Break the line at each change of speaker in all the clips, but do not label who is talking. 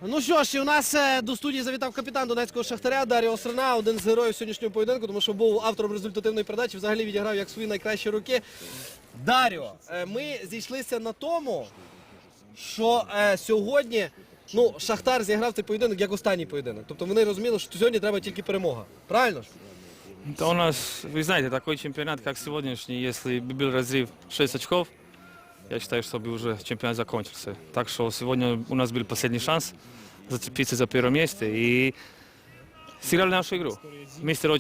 Ну що ж, і у нас до студії завітав капітан донецького Шахтаря Даріо Срна, один з героїв сьогоднішнього поєдинку, тому що був автором результативної передачі, взагалі відіграв як свої найкращі роки. Даріо, ми зійшлися на тому, що сьогодні Шахтар зіграв цей поєдинок як останній поєдинок. Тобто вони розуміли, що сьогодні треба тільки перемога. Правильно ж?
Да у нас, вы знаете, такой чемпионат, как сегодняшний, если бы был разрыв 6 очков, я считаю, что бы уже чемпионат закончился. Так что сегодня у нас был последний шанс зацепиться за первое место и сыграли нашу игру. Мистер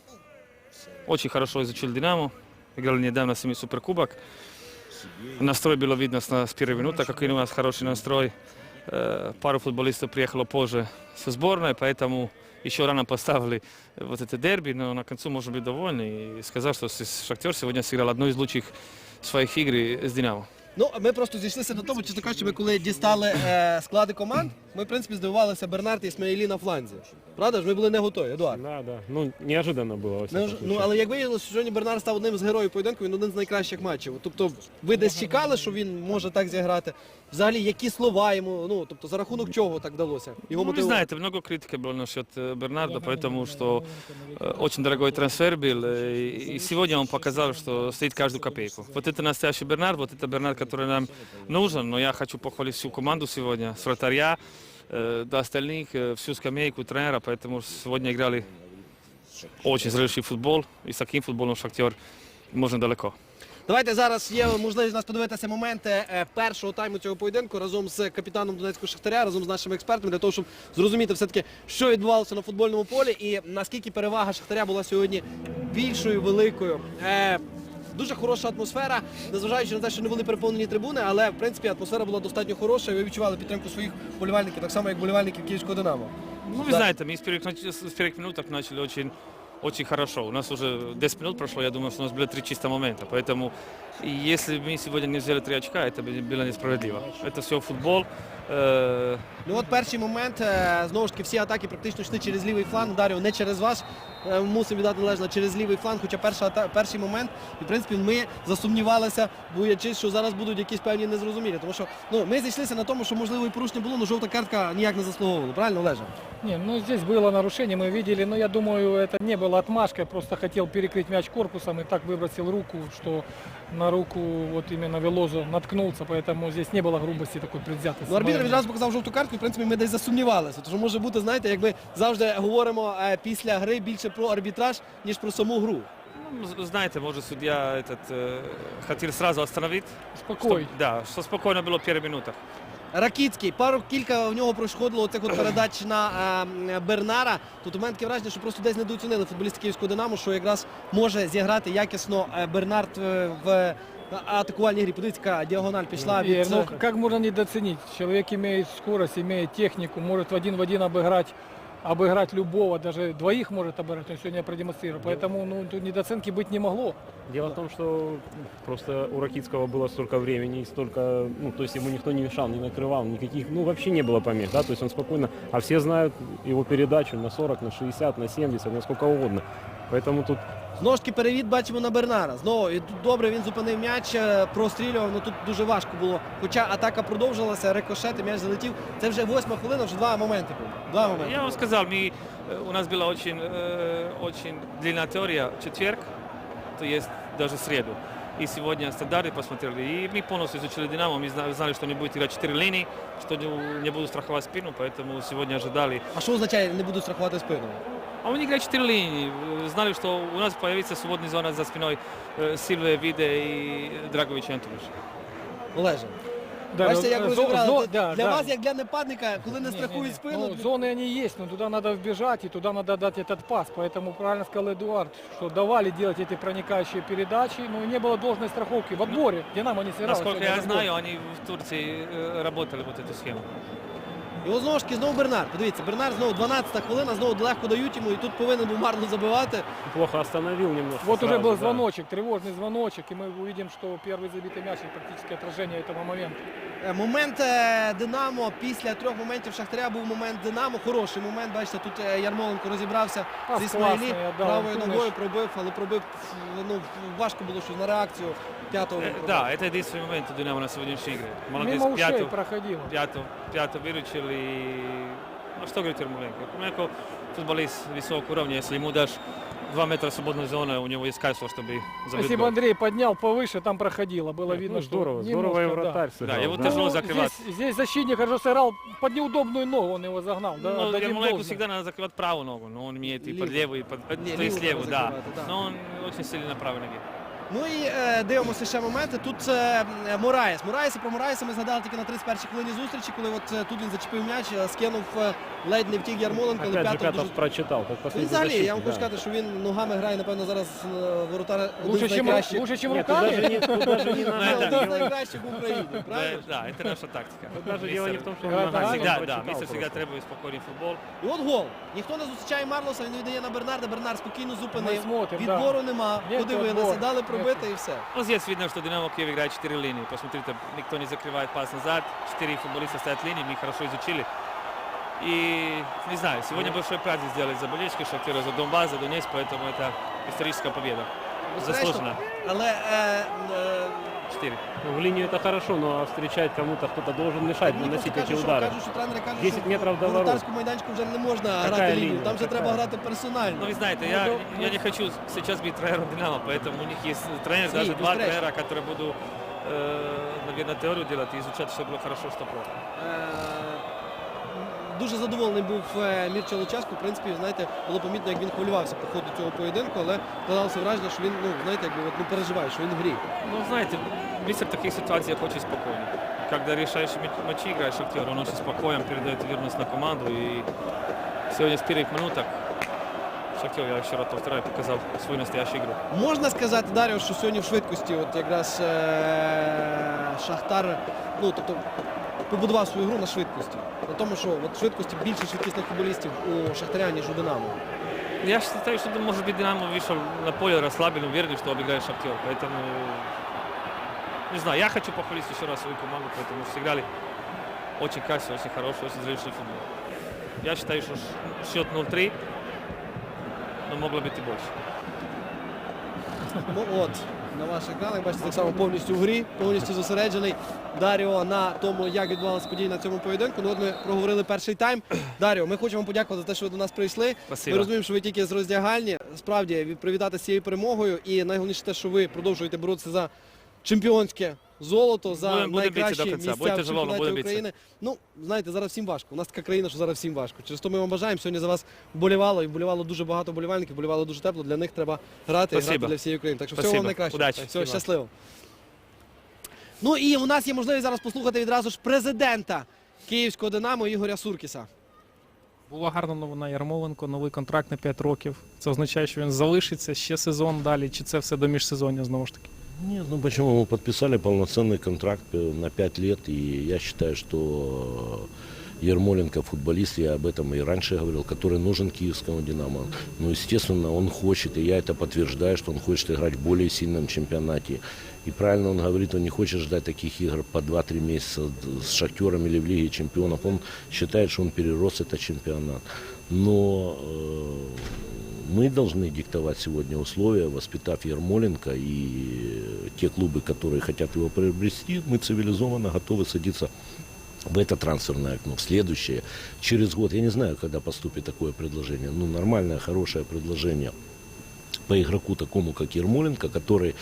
очень хорошо изучил «Динамо», играли недавно с ними суперкубок. Настрой было видно с первой минуты, какой у нас хороший настрой. Пару футболистов приехало позже со сборной, поэтому еще рано поставили вот это дерби, но на концу можно быть довольны и сказать, что Шахтер сегодня сыграл одну из лучших своих игр с «Динамо».
Ну, ми просто зійшлися на тому, чесно кажучи, ми коли дістали склади команд, ми, в принципі, здивувалися Бернард і Ісмаїлі на фланзі. Правда ж? Ми були не готові, Едуард.
Да, да. Ну, неожиданно було.
Ну, але як виявилося, сьогодні Бернард став одним з героїв поєдинку, він один з найкращих матчів. Тобто, ви десь чекали, що він може так зіграти? Взагалі, які слова йому, тобто, за рахунок чого так вдалося? Його
Вы знаете, много критики было насчет Бернарда, потому что очень дорогой трансфер был, и сегодня он показал, что стоит каждую копейку. Вот это настоящий Бернард, вот это Бернард, который нам нужен, но я хочу похвалить всю команду сегодня, с вратаря до остальных, всю скамейку тренера, поэтому сегодня играли очень зрелищный футбол, и с таким футболом Шахтер можно далеко.
Давайте зараз є можливість у нас подивитися моменти першого тайму цього поєдинку разом з капітаном донецького Шахтаря, разом з нашими експертами, для того, щоб зрозуміти все-таки, що відбувалося на футбольному полі і наскільки перевага Шахтаря була сьогодні більшою, великою. Дуже хороша атмосфера, незважаючи на те, що не були переповнені трибуни, але, в принципі, атмосфера була достатньо хороша, і ви відчували підтримку своїх вболівальників, так само, як вболівальників Київського «Динамо».
Ну, вы знаете, мы с первых минут начали очень хорошо. У нас уже 10 минут прошло, я думаю, что у нас было 3 чистых момента. Поэтому, если мы сегодня не взяли 3 очка, это было несправедливо. Это все футбол.
Ну от перший момент, знову ж таки, всі атаки практично йшли через лівий фланг. Даріо, не через вас, мусимо віддати належно, через лівий фланг, хоча перший момент, і в принципі ми засумнівалися, боячись, що зараз будуть якісь певні незрозумілі. Тому що ми зійшлися на тому, що можливо і порушення було, але жовта картка ніяк не заслуговувала. Правильно, Олеже?
Не, ну здесь было нарушение, мы видели, но я думаю, это не было отмашкой, просто хотел перекрыть мяч корпусом и так выбросил руку, что на руку вот именно Велозо наткнулся, поэтому здесь не было грубости такой предвзятости.
Ну, арбітр відразу показав жовту картку, і в принципі ми десь засумнівалися. Тому що може бути, знаєте, як ми завжди говоримо після гри більше про арбітраж, ніж про саму гру.
Ну, знаете, может, судья хотел сразу остановить.
Спокойно.
Да, что спокойно было в первых минутах.
Ракіцький, кілька в нього проходило оцих передач на Бернара. Тут у мене таке враження, що просто десь недооцінили футболісти Київського «Динамо», що якраз може зіграти якісно Бернард в атакувальній грі. Подивіться, яка діагональ пішла від...
Ну, как можно недооценить? Человек имеет скорость, имеет технику, может в один обыграть любого, даже двоих может обыграть, он сегодня продемонстрировал. Поэтому тут недооценки быть не могло.
Дело в том, что просто у Ракитского было столько времени и столько, то есть ему никто не мешал, не накрывал, никаких, вообще не было помех, да, то есть он спокойно, а все знают его передачу на 40, на 60, на 70, на сколько угодно. Поэтому тут...
Знову ж таки перевід бачимо на Бернара. Знову, і тут добре він зупинив м'яч, прострілював, але тут дуже важко було. Хоча атака продовжилася, рикошет, і м'яч залетів. Це вже 8-ма хвилина, вже 2 моменти були.
Я вам сказал, у нас была очень длинная теория четверг, то есть даже среду. И сегодня стандарты посмотрели. И мы полностью изучили «Динамо», мы знали, что не будет играть 4 линии, что не будут страховать спину, поэтому сегодня ожидали.
А що означає «не буду страхувати спину»?
А они играют 4 линии. Знали, что у нас появится свободный зона за спиной Сильве, Виде и Драгович Антонович.
Олеже,
Да,
бачите, як розібрали. Для
да.
вас, як для нападника, коли не страхують спину...
Ну, зоны они есть, но туда надо вбежать и туда надо дать этот пас. Поэтому правильно сказал Эдуард, что давали делать эти проникающие передачи, но не было должной страховки. В отборе «Динамо» не сыграл.
Насколько я знаю, они в Турции работали вот эту схему.
І ось знову ж таки, знову Бернар. Подивіться, Бернар знову 12-та хвилина, знову легко дають йому, і тут повинен був марно забивати.
Плохо остановил немножко.
Вот
сразу,
уже был
да.
звоночек, тревожный звоночек, и мы увидим, что первый забитый мяч – практически отражение этого момента.
Момент «Динамо» після 3 моментів Шахтаря був момент «Динамо». Хороший момент, бачите, тут Ярмоленко розібрався
Пас
з Ісмаїлі,
класний, да,
правою
Антониш.
ногою пробив, але пробив, важко було щось на реакцію. п'ятого.
Да, это единственный момент у Динамо на сегодняшней игре. Молодец,
Мимо ушей
пятую
проходило.
выручил и... Ну что говорить Ермоленко? Ермоленко футболист высокого уровня, если ему дашь 2 метра свободной зоны, у него есть качество, чтобы забить
Если бы
гол.
Андрей поднял повыше, там проходило. Было
Нет,
видно,
ну,
что
здорово,
немножко,
здорово и
да.
вратарь
Да,
сыграл.
его
да.
тяжело
Ну,
закрывать.
здесь защитник хорошо сыграл, под неудобную ногу он его загнал. Да,
Ну,
дадим
Ермоленко
должное.
всегда надо закрывать правую ногу, но он умеет и под
Левую.
левую, и под...
Не,
то есть
левую
левую,
надо
да.
закрывать, да.
Но он очень сильный на правой ноге.
Ну і дивимося ще моменти. Тут Мораєс. Про Мораєса ми згадали тільки на 31-й хвилині зустрічі, коли от тут він зачепив м'яч, скинув ледь не втік Ярмоленко, але
Опять же,
п'ятов
Пятов
дуже...
прочитал, как
Він
последний
взагалі,
защитник.
я вам хочу
да.
сказати, що він ногами грає, напевно, зараз воротар
Лучше,
один з
чем,
найкращих.
лучше, чем
Нет, тут
руками.
даже не, тут даже не
Ні,
надо.
один з
дело-
найкращих в Україні, правильно?
Да, это наша тактика.
тут даже дело не в том, что он
Игра
ногами,
ногами,
он
Всегда, да,
прочитал
Мистер всегда
просто.
требует спокойный футбол.
І от гол. Ніхто не зустрічає Марлоса, він віддає на Бернарда. Бернард спокійно
Ми
зупинив.
смотрим,
Відбору нема,
Нет
подивилися,
отбора.
дали пробити і все.
Ну, здесь видно, что Динамо Киев играет 4 линии. Посмотрите, никто не закрывает пас назад. 4 футболиста стоят в линии, мы их хорошо изучили. И, не знаю, сегодня большой праздник сделали за болельщики Шахтера, за Донбасс, за Донецк, поэтому это историческая победа. Заслуженно.
Але
4.
Ну, в линию это хорошо, но встречать кому-то кто-то должен мешать,
мені
наносить
просто
эти
кажуть,
удары.
що тренери кажуть,
10
що
метрів до
в
ворот.
воротарському майданчику вже не можна
Какая
грати лінію,
лінія?
там вже
Какая?
треба грати персонально.
Ну, вы знаете, я не хочу сейчас быть тренером Динамо, поэтому у них есть тренер,
Свій,
даже 2
безперечно.
тренера, которые буду, наверное, теорию делать и изучать, что было хорошо, что плохо.
Дуже задоволений був Мірча Луческу. В принципі, знаєте, було помітно, як він хвилювався по ходу цього поєдинку, але складалося враження, що він, ну, знаєте, якби от, переживає, що він в грі.
Ну, знаете, Мистер в таких ситуациях очень спокойный. Когда решаешь матчи, играешь Шахтер, он очень спокоен, передает уверенность на команду. И сегодня с первых минуток Шахтер, я еще раз повторяю, показал свою настоящую игру.
Можна сказати, Дар'о, що сьогодні в швидкості от якраз Шахтар, ну, тобто, побудував свою гру на швидкості. На тому, що от в швидкості більше швидкісних футболістів у Шахтаря, ніж у Динамо.
Я считаю, что, может быть, Динамо вышел на поле расслаблен, уверен, что обыграет Шахтер. Поэтому, не знаю, я хочу похвалить еще раз свою команду, потому что сыграли очень качественный, очень хороший, очень зрелищный футбол. Я считаю, что счет 0-3, но могло быть и больше.
Ну от, на ваших екранах, бачите, так само повністю в грі, повністю зосереджений Даріо на тому, як відбувалися події на цьому поєдинку. Ну от ми проговорили перший тайм. Даріо, ми хочемо вам подякувати за те, що ви до нас прийшли.
Спасибо.
Ми розуміємо, що ви тільки з роздягальні. Справді, привітати з цією перемогою. І найголовніше те, що ви продовжуєте боротися за чемпіонське золото, за
Будемо битися
найкращі
до кінця.
місця
Будьте
в
живі,
чемпіонаті
будемо битися.
України. Ну, знаєте, зараз всім важко. У нас така країна, що зараз всім важко. Через то ми вам бажаємо. Сьогодні за вас вболівало, і вболівало дуже багато вболівальників, вболівало дуже тепло. Для них треба грати і грати
Спасибо.
для всієї України. Так що всього
Спасибо.
вам найкращого.
Удачі.
Всього
Всім вам.
щасливо. Ну і у нас є можливість зараз послухати відразу ж президента Київського Динамо Ігоря Суркіса.
Була гарна новина Ярмоленко, новий контракт на 5 років. Це означає, що він залишиться ще сезон далі, чи це все до міжсезоння знову ж таки?
Нет, ну почему? Мы подписали полноценный контракт на 5 лет, и я считаю, что Ермоленко футболист, я об этом и раньше говорил, который нужен киевскому «Динамо». Ну, естественно, он хочет, и я это подтверждаю, что он хочет играть в более сильном чемпионате. И правильно он говорит, он не хочет ждать таких игр по 2-3 месяца с «Шахтером» или в Лиге чемпионов. Он считает, что он перерос этот чемпионат. Но мы должны диктовать сегодня условия, воспитав Ермоленко, и те клубы, которые хотят его приобрести, мы цивилизованно готовы садиться в это трансферное окно, в следующее, через год. Я не знаю, когда поступит такое предложение. Ну, нормальное, хорошее предложение по игроку такому, как Ермоленко, который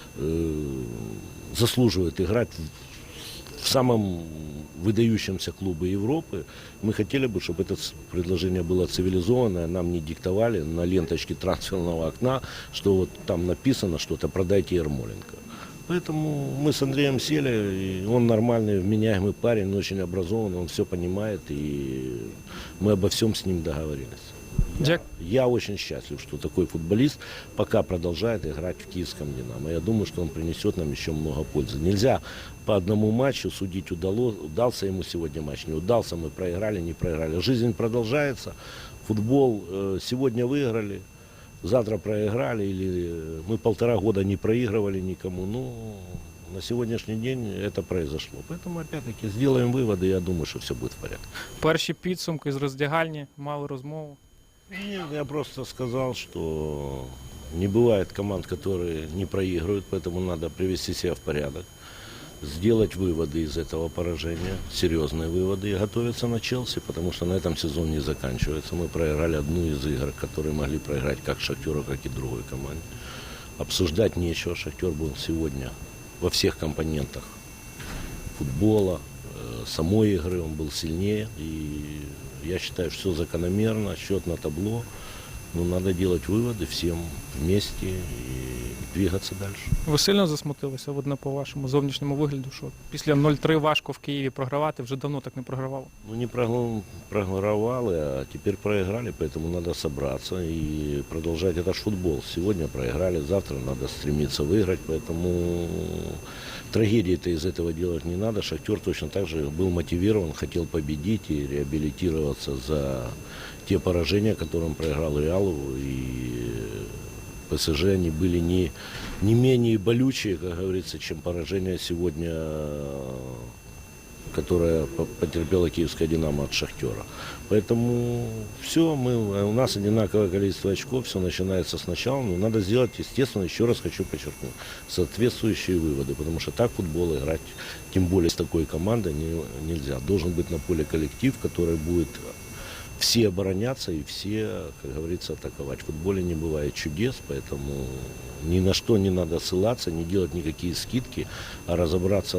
заслуживает играть в самом выдающемся клубе Европы. Мы хотели бы, чтобы это предложение было цивилизованное, нам не диктовали на ленточке трансферного окна, что вот там написано что-то, продайте Ермоленко. Поэтому мы с Андреем сели, и он нормальный, вменяемый парень, он очень образованный, он все понимает, и мы обо всем с ним договорились. Я очень счастлив, что такой футболист пока продолжает играть в киевском «Динамо». Я думаю, что он принесет нам еще много пользы. Нельзя по одному матчу судить, удался ему сегодня матч, не удался, мы проиграли, не проиграли. Жизнь продолжается, футбол сегодня выиграли, завтра проиграли, или мы 1,5 года не проигрывали никому. Ну, на сегодняшний день это произошло. Поэтому, опять-таки, сделаем выводы, я думаю, что все будет в порядке.
Перші підсумки з роздягальні, мали розмову.
Нет, я просто сказал, что Не бывает команд, которые не проигрывают, поэтому надо привести себя в порядок, сделать выводы из этого поражения, серьезные выводы, и готовиться на Челси, потому что на этом сезон не заканчивается. Мы проиграли одну из игр, которые могли проиграть как Шахтеру, как и другой команде. Обсуждать нечего. Шахтер был сегодня во всех компонентах футбола, самой игры, он был сильнее. И я считаю, что все закономерно, счет на табло. Но надо делать выводы всем вместе и двигаться дальше.
Ви сильно засмутилися, видно, по вашому зовнішньому вигляду, що після 0-3 важко в Києві програвати, вже давно так не програвали.
Ну, не проигрывали, а теперь проиграли, поэтому надо собраться и продолжать. Это ж футбол. Сегодня проиграли, завтра надо стремиться выиграть, поэтому трагедии-то из этого делать не надо. Шахтер точно так же был мотивирован, хотел победить и реабилитироваться за те поражения, которые он проиграл Реалу, и ПСЖ, они были не менее болючие, как говорится, чем поражение сегодня, которое потерпела киевская «Динамо» от «Шахтера». Поэтому все, у нас одинаковое количество очков, все начинается сначала, но надо сделать, естественно, еще раз хочу подчеркнуть, соответствующие выводы, потому что так футбол играть, тем более с такой командой, нельзя. Должен быть на поле коллектив, который будет все обороняться и все, как говорится, атаковать. В футболе не бывает чудес, поэтому ни на что не надо ссылаться, не делать никакие скидки, а разобраться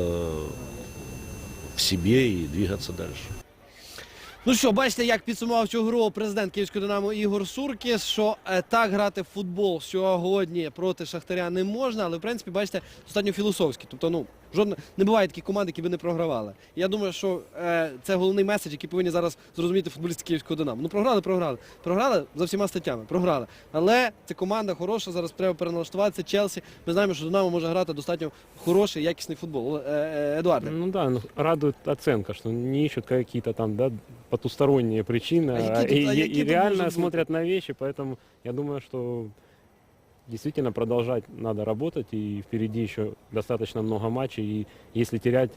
в себе и двигаться дальше.
Ну що, бачите, як підсумував цю гру президент Київського «Динамо» Ігор Суркіс, що так грати в футбол сьогодні проти Шахтаря не можна, але в принципі, бачите, достатньо філософськи. Тобто, не буває таких команд, які би не програвали. І я думаю, що це головний меседж, який повинні зараз зрозуміти футболісти Київського «Динамо». Ну, програли. Програли за всіма статтями, програли. Але це команда хороша, зараз треба переналаштуватися. Челсі, ми знаємо, що «Динамо» може грати достатньо хороший, якісний футбол. Едуарде.
Ну да, радует оценка, что не ищут какие-то там, да, потусторонние причины, и реально смотрят на вещи, поэтому я думаю, что действительно продолжать надо работать, и впереди еще достаточно много матчей, и если терять,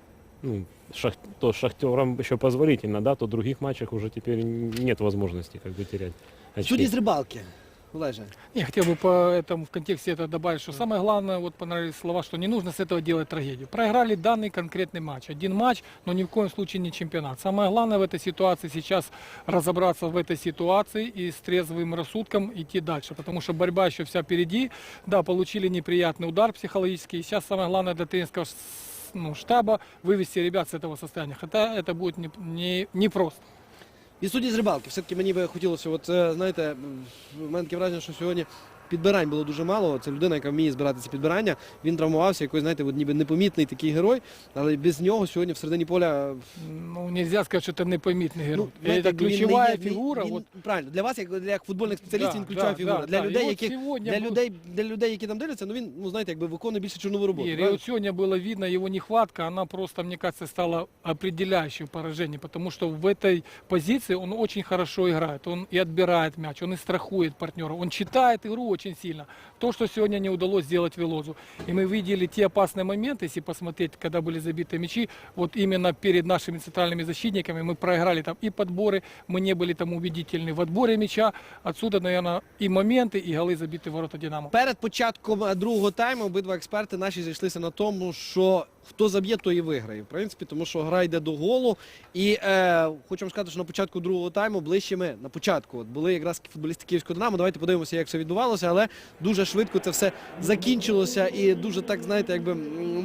то Шахтерам еще позволительно, да, то в других матчах уже теперь нет возможности как бы терять очки.
Судді з рибалки. Олеже.
Я хотел бы по этому в контексте это добавить, что самое главное, вот понравились слова, что не нужно с этого делать трагедию. Проиграли данный конкретный матч. Один матч, но ни в коем случае не чемпионат. Самое главное в этой ситуации сейчас разобраться в этой ситуации и с трезвым рассудком идти дальше. Потому что борьба еще вся впереди. Да, получили неприятный удар психологический. Сейчас самое главное для тренерского штаба вывести ребят с этого состояния. Хотя это будет не просто.
І судді з рибалки. Все-таки мені би хотілося, знаєте, в мене таке враження, що сьогодні підбирань було дуже мало. Це людина, яка вміє збирати ці підбирання. Він травмувався, якийсь, знаєте, ніби непомітний такий герой, але без нього сьогодні в середині поля...
Ну, нельзя сказати, що це непомітний герой.
Знаєте,
це ключова фігура.
Правильно, для вас, як футбольних спеціалістів, він ключова фігура. Для людей, які там дивляться, він, знаєте, якби виконує більше чорнову роботу.
И вот сегодня было видно его нехватка, она просто, мне кажется, стала определяющей в поражении, потому что в этой позиции он очень хорошо играет, он и отбирает мяч, он и страхует партнера, он читает игру очень сильно. То, что сегодня не удалось сделать Велозу. И мы видели те опасные моменты, если посмотреть, когда были забиты мячи, вот именно перед нашими центральными защитниками мы проиграли там и подборы, мы не были там убедительны в отборе мяча. Отсюда, наверное, и моменты, и голы забиты в ворота «Динамо».
Перед початком другого тайму обидва експерти наші зійшлися на тому, що хто заб'є, той і виграє. В принципі, тому що гра йде до голу. І хочу вам сказати, що на початку другого тайму ближче ми, на початку, були якраз футболісти Київського «Динамо». Давайте подивимося, як все відбувалося, але дуже швидко це все закінчилося і дуже так, знаєте, якби,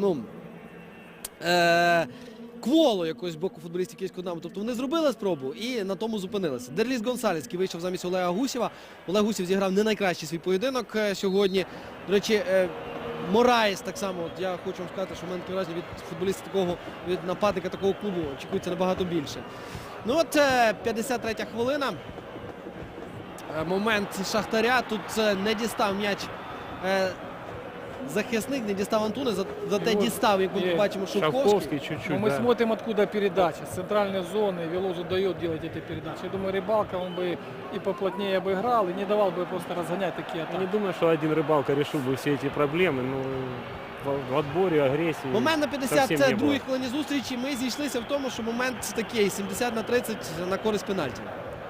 кволо якось з боку футболістів Київського «Динамо». Тобто вони зробили спробу і на тому зупинилися. Дерліс Гонсалес, який вийшов замість Олега Гусєва. Олег Гусєв зіграв не найкращий свій поєдинок сьогодні. До речі, Мораєс так само, я хочу вам сказати, що в мене таке враження від футболіста такого, від нападника такого клубу очікується набагато більше. Ну от 53-я хвилина. Момент Шахтаря. Тут не дістав м'яч захисник, не дістав Антуни, зате дістав, як ми бачимо, Шовковський.
чуть-чуть,
Но мы
да.
смотрим, откуда передача. С центральной зоны Велозу дает делать эти передачи. Я думаю, Рыбалка, он бы и поплотнее обыграл, и не давал бы просто разгонять такие
Я
атаки.
не думаю, что один Рыбалка решил бы все эти проблемы, но в отборе, агрессии
Момент на
совсем не
52-й
было.
хвилині зустрічі ми зійшлися в тому, що момент такий 70-30 на користь пенальті.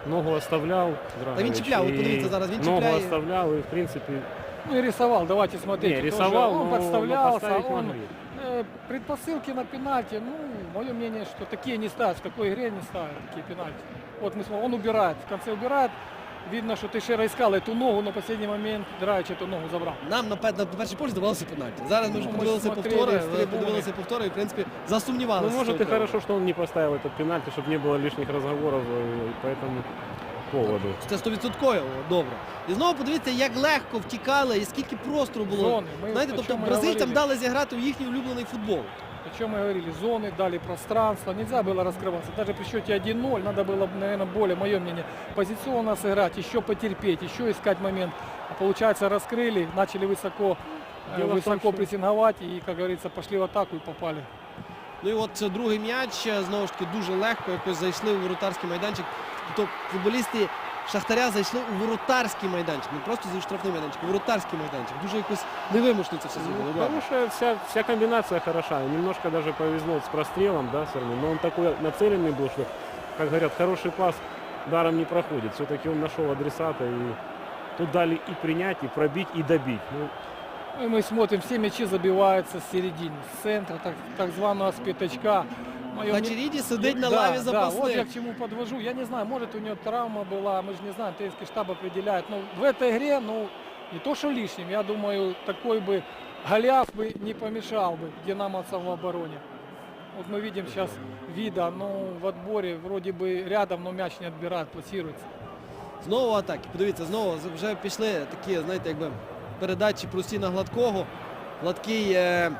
Ногу оставлял.
Та він чіпляв, от подивіться, зараз він
Ногу
чіпляє.
оставлял и, в принципе,
Ну и рисовал, давайте смотреть.
не,
тоже
рисовал,
он
но
подставлялся,
поставить
он
могли.
предпосылки на пенальти, ну, мое мнение, что такие не ставят, в такой игре не ставят такие пенальти. Вот мы смотрим, он убирает, в конце убирает, видно, что Тейшера искал эту ногу, но в последний момент Драич эту ногу забрал.
Нам на перший погляд здавалося пенальті. Зараз ми вже
Ну, ми
подивилися
смотрели
повтори,
з трибуни.
подивилися повтори і, в принципі,
Ну,
засумнівалися.
может,
що
и
треба.
хорошо, что он не поставил этот пенальти, чтобы не было лишних разговоров по этому поводу.
Це 100% добре. І знову подивіться, як легко втікали і скільки простору було.
Зони. Ми
Знаєте,
о
тобто
чому
бразильцям
говорили.
дали зіграти у їхній улюблений футбол.
О чем мы говорили, зоны, дали пространство, нельзя было раскрываться. Даже при счете 1-0 надо было, наверное, более, мое мнение, позиционно сыграть, еще потерпеть, еще искать момент. А получается, раскрыли, начали высоко,
Дело в том,
высоко
что-
прессинговать и, как говорится, пошли в атаку и попали.
Ну і от це другий м'яч, знову ж таки, дуже легко якось зайшли у воротарський майданчик. Тобто футболісти Шахтаря зайшли у воротарський майданчик, не просто за штрафний майданчик, у воротарський майданчик. Дуже якось невимушно це все зробили.
Ну, хорошая, вся комбинация хороша. Немножко даже повезло с прострелом, да, все равно. Но он такой нацеленный был, что, как говорят, хороший пас даром не проходит. Все-таки он нашел адресата, и тут дали и принять, и пробить, и добить. Ну,
Ну, и мы смотрим, все мячи забиваются с середины, с центра, так званого с пятачка. Моё
Хачеріді сидить на
Да,
лаві
да, вот я
запасних.
к чему подвожу. Я не знаю, может у него травма была, мы же не знаем, тренерский штаб определяет. Но в этой игре, ну, не то что лишним, я думаю, такой бы Голиаф бы не помешал бы динамовцам в обороне. Вот мы видим сейчас Вида, ну, в отборе вроде бы рядом, но мяч не отбирает, пласируется.
Знову атаки. Подивіться, знову вже пішли такі, знаєте, якби передачі прості на Гладкого. Гладкий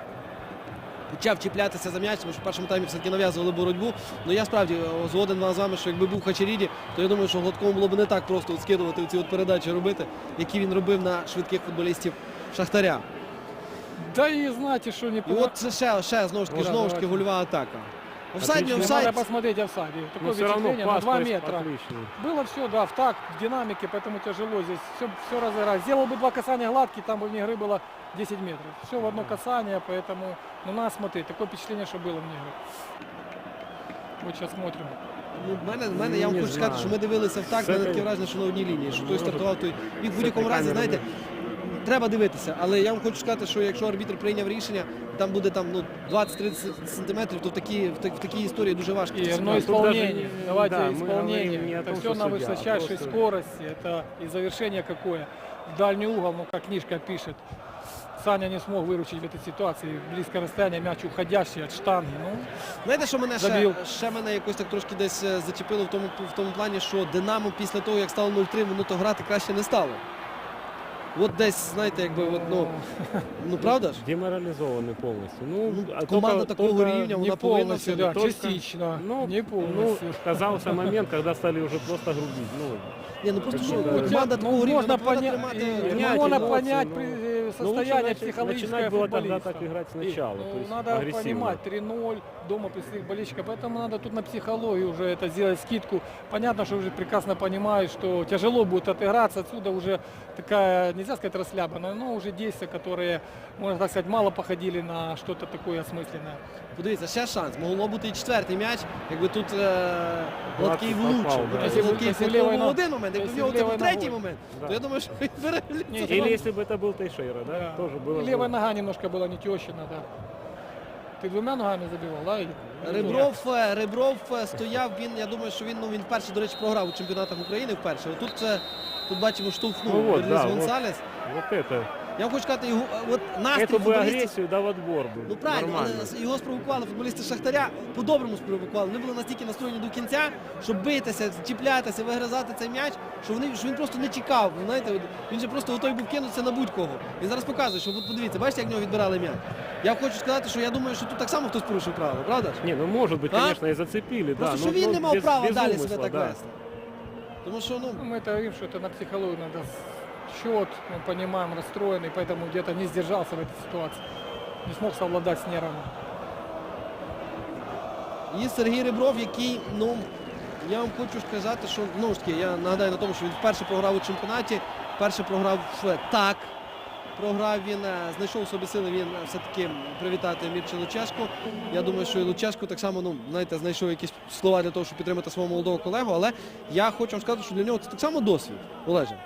почав чіплятися за м'яч, тому що в першому таймі все-таки нав'язували боротьбу. Ну я справді згоден з вами, що якби був Хачеріді, то я думаю, що Гладкому було б не так просто от скидувати ці от передачі робити, які він робив на швидких футболістів Шахтаря.
Да и знаете, что не
І от це ще знову ж таки,
Да,
гольова гольова атака. Офсайд, не
Отлично.
Надо
офсайд.
посмотреть офсайд. Такое
но все равно
впечатление на
пас
2 метра.
отличный.
Было все, да, в такт, в динамике, поэтому тяжело здесь все разыграть. Сделал бы 2 касания гладкие, там бы вне игры было 10 метров. Все в одно касание, поэтому, ну, надо смотреть. Такое впечатление, что было вне игры. Вот сейчас смотрим.
Ну, в мене, я вам
Не
хочу сказати,
знаю.
що ми дивилися в так, в мене
Це-
таке враження, що на одній лінії, що той
Може,
стартував, той і в
це
будь-якому разі,
камера
знаєте, треба дивитися. Але я вам хочу сказати, що якщо арбітр прийняв рішення, там буде там, ну, 20-30 сантиметрів, то в такій історії дуже важко.
И
це
одно
зробити.
тут даже
исполнение.
не-
Давайте
да, мы
исполнение.
говорим не о
Это
том,
все
что
на
судья, а
высочайшей
просто-
скорости. Это и завершение какое. В дальний угол, ну, как книжка пишет. Саня не смог выручить в этой ситуации. Близкое расстояние, мяч уходящий от штанги. Ну,
Знаєте, що мене
Забив.
ще мене якось так трошки десь зачепило в тому плані, що Динамо після того, як стало 0-3, воно то грати краще не стало. От десь, знаєте, якби, от, ну правда ж?
Деморализованный полностью. Ну, а
Команда
только-
такого
только-
рівня, вона
не
повинна
полностью,
сьогодні.
да,
только-
частично.
Ну,
Не полностью.
казался момент, когда стали уже просто грубить. Ну,
Ні, ну просто що
Ну,
команда такого рівня,
можно
вона повинна
понять,
тримати.
понять
можно
эмоции,
понять
но-
при-
но
состояние
лучше
психологическое
начинать было тогда
футболиста.
так играть сначала, то есть
Надо
агрессивно.
понимать, 3-0 дома при своих болельщиках, поэтому надо тут на психологию уже это сделать скидку. Понятно, что уже прекрасно понимают, что тяжело будет отыграться, отсюда уже такая, нельзя сказать расслабленная, но уже действия, которые, можно так сказать, мало походили на что-то такое осмысленное.
Подивіться, ще шанс. Могло бути і четвертий м'яч, якби тут Гладкий
попав,
влучив.
да.
Тобто
Якщо б-
Гладкий
якщо
влучив
лівою
був
ногою-
один момент, якби в
якщо
нього це був
лівою
третій
ногою.
момент,
Да.
то я думаю, що він переліться.
Или если бы это был Тейшейра, да,
Да.
тоже было
И
бы-
левая нога немножко была не тещина, да. Ты двумя ногами забивал, да?
Ребров стояв, я думаю, що він вперше, до речі, програв у чемпіонатах України вперше. Тут бачимо, штовхнув
Ну от,
Берліс
да, от.
Гонсалес.
Вот это.
Я вам хочу сказати, от настрій
Эту бы
футболістів.
агрессию, да, в отбор бы.
Ну правильно,
Нормально.
але його спровокували футболісти Шахтаря, по-доброму спровокували. Вони були настільки настроєні до кінця, щоб битися, чіплятися, вигризати цей м'яч, що він просто не чекав. Знаєте, він же просто готовий був кинутися на будь-кого. Він зараз показує, що от подивіться, бачите, як в нього відбирали м'яч. Я хочу сказати, що я думаю, що тут так само хтось порушив правила, правда ж?
Не, ну может быть,
А?
конечно, и зацепили,
Просто
да.
що він не мав права далі
умысла,
себе так
да.
вести. Тому що,
Ну, мы это говорим, что это на психологию надо счет, мы понимаем, расстроенный, поэтому где-то не сдержался в этой ситуации. Не смог совладать с нервами.
і Сергій Ребров, який, я вам хочу сказати, що, знову ж таки, я нагадаю на тому, що він вперше програв у чемпіонаті, вперше програв так. програв він, знайшов у собі сили він все-таки привітати Мірча Лучешку. Я думаю, що і Лучешко так само, ну, знаєте, знайшов якісь слова для того, щоб підтримати свого молодого колегу, але я хочу вам сказати, що для нього це так само досвід, Олеже.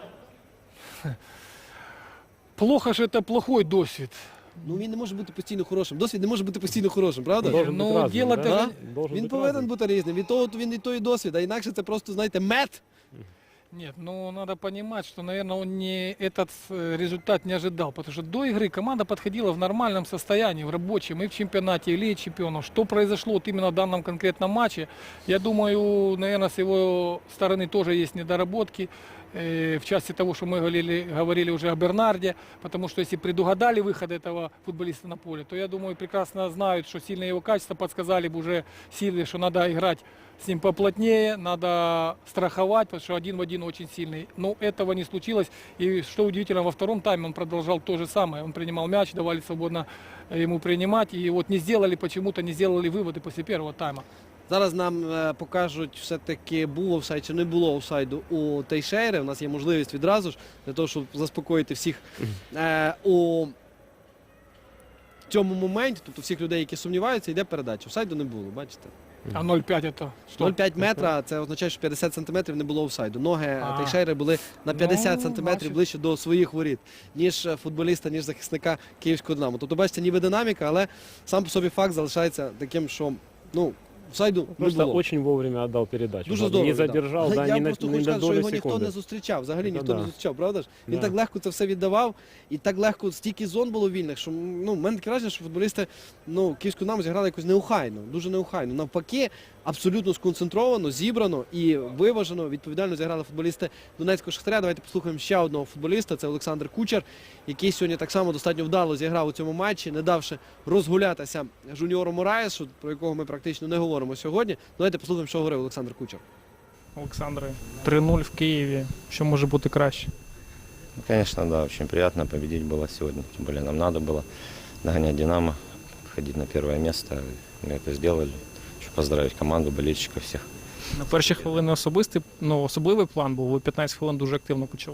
Плохо же это плохой досвід.
Ну він не може бути постійно хорошим. Досвід не може бути постійно хорошим, правда?
Должен
ну,
быть разным,
дело
да?
даже-
Должен
Він
быть
повинен
разным.
бути різним. Він і той досвід, а інакше це просто, знаєте, мед.
Нет, ну надо понимать, что, наверное, он не этот результат не ожидал, потому что до игры команда подходила в нормальном состоянии, в рабочем, и в чемпионате, и в Лиге чемпионов. Что произошло вот именно в данном конкретном матче, я думаю, наверное, с его стороны тоже есть недоработки. В части того, что мы говорили уже о Бернарде, потому что если предугадали выход этого футболиста на поле, то я думаю, прекрасно знают, что сильные его качества подсказали бы уже силы, что надо играть с ним поплотнее, надо страховать, потому что один в один очень сильный. Но этого не случилось. И что удивительно, во втором тайме он продолжал то же самое. Он принимал мяч, давали свободно ему принимать. И вот не сделали, почему-то не сделали выводы после первого тайма.
Зараз нам покажуть все-таки було офсайд чи не було офсайду у Тейшейри. У нас є можливість відразу ж для того, щоб заспокоїти всіх у цьому моменті, тобто всіх людей, які сумніваються, йде передача. Офсайду не було, бачите?
А 0,5 это что?
0,5 метра, це означає, що 50 сантиметрів не було офсайду. Ноги
А.
Тейшейри були на 50
Ну,
сантиметрів
бачите.
ближче до своїх воріт, ніж футболіста, ніж захисника Київського Динамо. Тобто, бачите, ніби динаміка, але сам по собі факт залишається таким, що, ну, офсайду не
Просто
було.
очень вовремя отдал передачу.
Дуже
Да,
здорово.
не
віддав.
задержал,
Але
да,
я
не на,
просто
не
хочу
на
сказати, що
долю
його ніхто
секунды.
не зустрічав. Взагалі
Ну,
ніхто не
да.
зустрічав, правда ж? Він
Да.
так легко це все віддавав, і так легко стільки зон було вільних, що ну, в мене таке враження, що футболісти ну, Київську Динамо зіграли якось неухайно, дуже неухайно. Навпаки, абсолютно сконцентровано, зібрано і виважено, відповідально зіграли футболісти Донецького Шахтаря. Давайте послухаємо ще одного футболіста, це Олександр Кучер, який сьогодні так само достатньо вдало зіграв у цьому матчі, не давши розгулятися жуніору Мораєсу, про якого ми практично не говоримо сьогодні. Давайте послухаємо, що говорив Олександр Кучер.
Олександре, 3-0 в Києві. Що може бути краще?
Ну, конечно, да, очень приятно победить было сегодня. Тем более нам надо было догонять «Динамо», входить на первое место. Мы это сделали. Хочу поздравить команду, болельщиков всех.
На перші хвилини особливий план був, ви 15 хвилин дуже активно почали.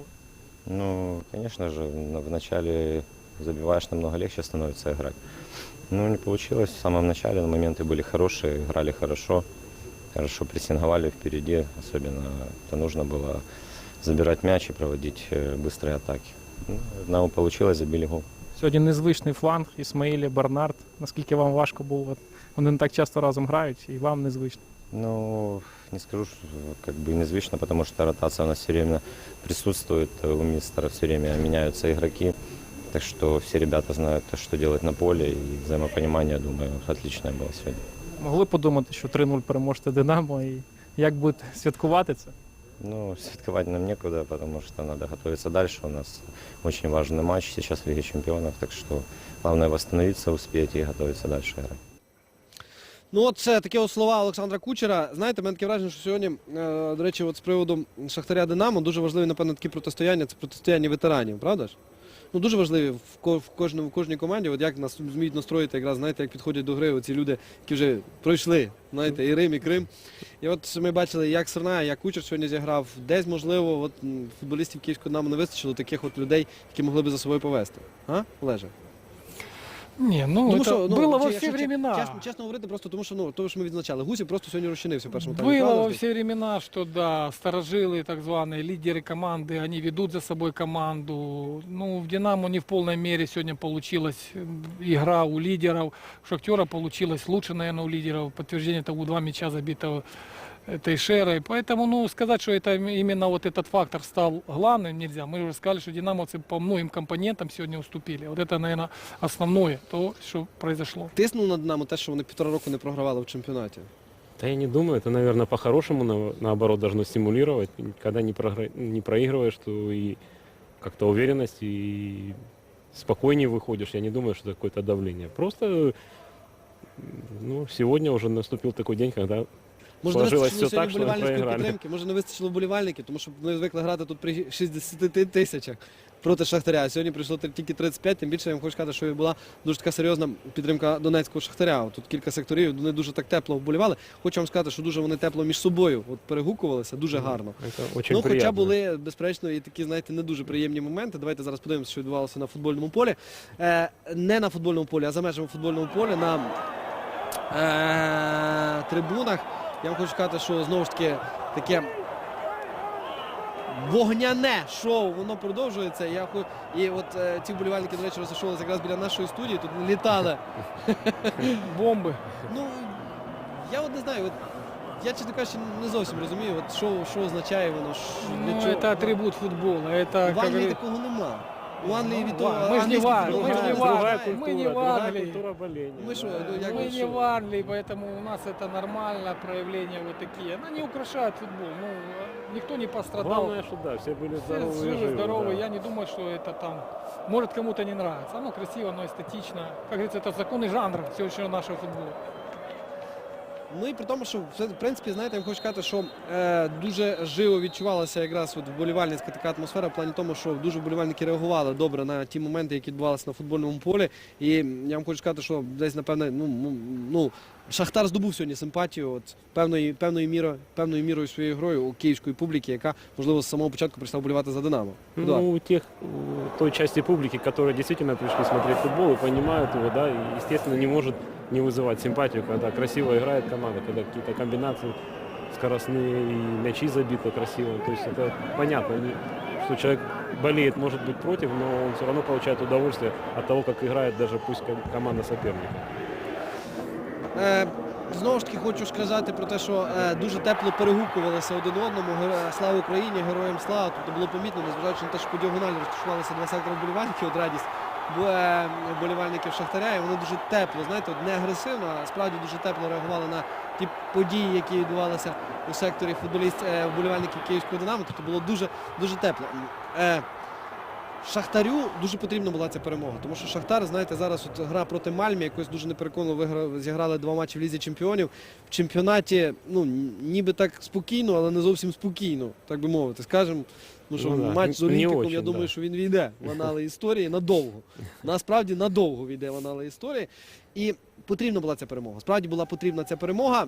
Ну, конечно же, в начале забиваешь, намного легче становится играть. Ну, не получилось в самом начале, но моменты были хорошие, играли хорошо прессинговали впереди. Особенно это нужно было забирать мяч и проводить быстрые атаки. Ну, нам получилось, забили гол.
Сьогодні незвичний фланг, Ісмаїлі, Бернард. Наскільки вам важко було? От вони не так часто разом грають, і вам незвично.
Ну, не скажу, что как бы незвично, потому что ротация у нас все время присутствует, у мистера все время меняются игроки, так что все ребята знают, что делать на поле, и взаимопонимание, думаю, отличное было сегодня.
Могли подумати, що 3-0 переможете Динамо, і як будете святкувати це?
Ну, святковать нам некуда, потому что надо готовиться дальше. У нас очень важный матч сейчас в Лиге Чемпионов, так что главное восстановиться, успеть и готовиться дальше играть.
Ну от це такі от слова Олександра Кучера. Знаєте, мене таке враження, що сьогодні, до речі, от з приводу Шахтаря Динамо дуже важливі, напевно, такі протистояння, це протистояння ветеранів, правда ж? Ну, дуже важливі в кожній команді, от як нас зміють настроїти, якраз, знаєте, як підходять до гри оці люди, які вже пройшли, знаєте, і Рим, і Крим. І от ми бачили, як Серна, як Кучер сьогодні зіграв. Десь, можливо, от, футболістів Київського Динамо не вистачило таких от людей, які могли б за собою повести. А, Олеже?
Не, ну
Тому
это
що,
было во
якщо
все времена.
Чесно говорити, просто тому що, тому що ми відзначали. Гусів просто сьогодні розчинився в першому таймі.
Было
правда
во
ж?
все времена, что да, старожилы, так званые лидеры команды, они ведут за собой команду. Ну, в «Динамо» не в полной мере сегодня получилась игра у лидеров. У «Шахтера» получилось лучше, наверное, у лидеров. Подтверждение того 2 мяча забитого Тейшерой. Поэтому, ну, сказать, что это именно вот этот фактор стал главным, нельзя. Мы уже сказали, что «Динамовцы» по многим компонентам сегодня уступили. Вот это, наверное, основное, то, что произошло.
Тиснув на Динамо те, що вони 1,5 року не програвали в чемпіонаті.
Да я не думаю, это, наверное, по-хорошему, наоборот, должно стимулировать. Когда не проигрываешь, то и как-то уверенность, и спокойнее выходишь. Я не думаю, что это какое-то давление. Просто ну, сегодня уже наступил такой день, когда
Може, не
сложилось
вистачило
все так,
сьогодні
что
вболівальницької
проиграли.
підтримки, може не вистачило вболівальників, тому що вони звикли грати тут при 60 тисячах проти Шахтаря. А сьогодні прийшло тільки 35, тим більше я вам хочу сказати, що і була дуже така серйозна підтримка донецького Шахтаря. От тут кілька секторів, вони дуже так тепло вболівали. Хочу вам сказати, що дуже вони тепло між собою от перегукувалися, дуже гарно.
Это очень
Ну, хоча
приятно.
були, безперечно, і такі, знаєте, не дуже приємні моменти. Давайте зараз подивимося, що відбувалося на футбольному полі. Не на футбольному полі, а за межами футбольного поля, на трибунах. Я вам хочу сказати, що знову ж таки таке вогняне шоу, воно продовжується. І от ці вболівальники, до речі, розташовувалися якраз біля нашої студії, тут літали.
Бомбы.
Ну, я от не знаю, от, я, чесно кажучи, не зовсім розумію, от, що означає воно, для
Ну,
чого.
это атрибут футбола. Это,
В
как
Англії
говорит,
такого нема. У Англії від того
мы ж не в Англии, мы ж не в
Другая
Англии,
культура,
мы не в
другая
Англии.
культура боления.
Мы что,
да.
ну, я
Мы
говорю,
не
что-
в Англии, поэтому у нас это нормально, проявления вот такие. Она не украшает футбол. Ну, никто не пострадал.
Главное, что да, все были
Все
здоровы и
живы,
живы.
здоровы.
да.
Я не думаю, что это там... Может, кому-то не нравится. Оно красиво, оно эстетично. Как говорится, это законы жанра сегодняшнего нашего футбола.
Ну і при тому, що в принципі, знаєте, я вам хочу сказати, що дуже живо відчувалася якраз от вболівальницька така атмосфера, в плані тому, що дуже вболівальники реагували добре на ті моменти, які відбувалися на футбольному полі. І я вам хочу сказати, що десь, напевне, ну Шахтар здобув сьогодні симпатію от, певною мірою своєю грою у київської публіки, яка, можливо, з самого початку прийшла вболівати за «Динамо». Едуард.
Ну, той части публики, которые действительно пришли смотреть футбол и понимают его, да, и, естественно, не может не вызывать симпатию, когда красиво играет команда, когда какие-то комбинации скоростные и мячи забиты красиво. То есть это понятно, что человек болеет, может быть, против, но он все равно получает удовольствие от того, как играет даже пусть команда соперника.
Знову ж таки хочу сказати про те, що дуже тепло перегукувалися один одному. Слава Україні, героям слава. Тобто було помітно, незважаючи на те, що по діагоналі розташувалися два сектори вболівальників, от радість вболівальників Шахтаря, і вони дуже тепло, знаєте, от не агресивно, а справді дуже тепло реагували на ті події, які відбувалися у секторі вболівальників Київського «Динамо». Тобто було дуже, дуже тепло. Шахтарю дуже потрібна була ця перемога, тому що Шахтар, знаєте, зараз от гра проти Мальмі, якось дуже непереконливо зіграли 2 матчі в Лізі Чемпіонів. В чемпіонаті, ну, ніби так спокійно, але не зовсім спокійно, так би мовити, скажемо. Ну, що
Ну, да,
матч з
не
Олімпіком,
очень,
я думаю,
да.
що він війде в анали історії надовго. Насправді надовго війде в анали історії. І потрібна була ця перемога. Справді була потрібна ця перемога.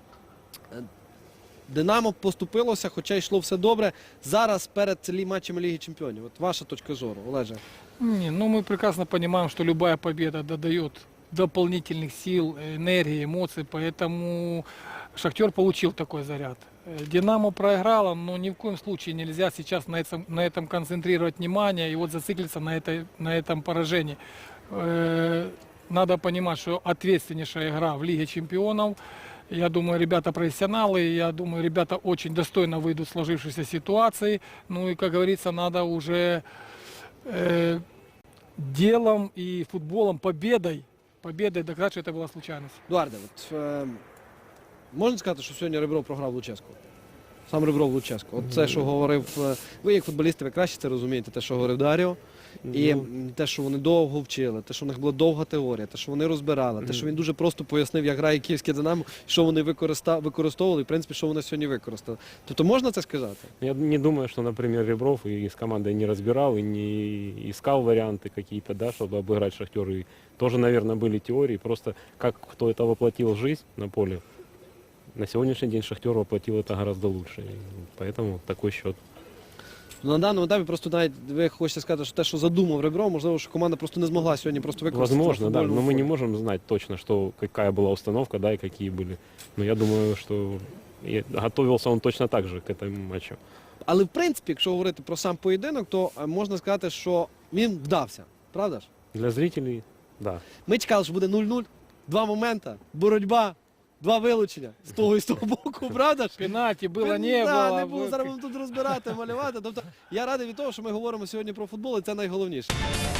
«Динамо» поступилося, хоча йшло все добре. Зараз перед матчами Ліги Чемпіонів. От ваша точка зору, Олеже.
Не, ну мы прекрасно понимаем, что любая победа додает дополнительных сил, энергии, эмоций, поэтому Шахтер получил такой заряд. Динамо проиграла, но ни в коем случае нельзя сейчас на этом концентрировать внимание и вот зациклиться на этом поражении. Надо понимать, что ответственнейшая игра в Лиге Чемпионов. Я думаю, ребята профессионалы, я думаю, ребята очень достойно выйдут в сложившейся ситуации. Ну и, как говорится, надо уже делом и футболом, победой доказать, что это была случайность.
Едуарде, от, можна сказати, що сьогодні Ребров програв Луческу? Сам Ребров Луческу. От це, що говорив, ви як футболісти, ви краще це розумієте, те, що говорив Даріо, і те, що вони довго вчили, те, що в них була довга теорія, те, що вони розбирали, те, що він дуже просто пояснив, як грає київське «Динамо», що вони використовували і, в принципі, що вони сьогодні використали. Тобто можна це сказати?
Я не думаю, что, например, Ребров и с командой не разбирал и не искал варианты какие-то, да, чтобы обыграть Шахтер. И тоже, наверное, были теории. Просто как кто это воплотил в жизнь на поле, на сегодняшний день Шахтер воплотил это гораздо лучше. И поэтому такой счет.
На даному етапі просто навіть ви хочете сказати, що те, що задумав Ребров, можливо, що команда просто не змогла сьогодні просто використати.
Возможно,
на
да, но
футбольному
мы не
полі.
можем знать точно, что, какая была установка, да, и какие были. Но я думаю, что готовился он точно так же к этому матчу.
Але в принципі, якщо говорити про сам поєдинок, то можна сказати, що він вдався. Правда ж?
Для зрителей, да.
Ми чекали, що буде 0-0, 2 моменти, боротьба, 2 вилучення з того і з того боку, правда ж?
Пенальти было, не
Да,
было.
не було, зараз будемо тут розбирати, малювати. Тобто я радий від того, що ми говоримо сьогодні про футбол, і це найголовніше.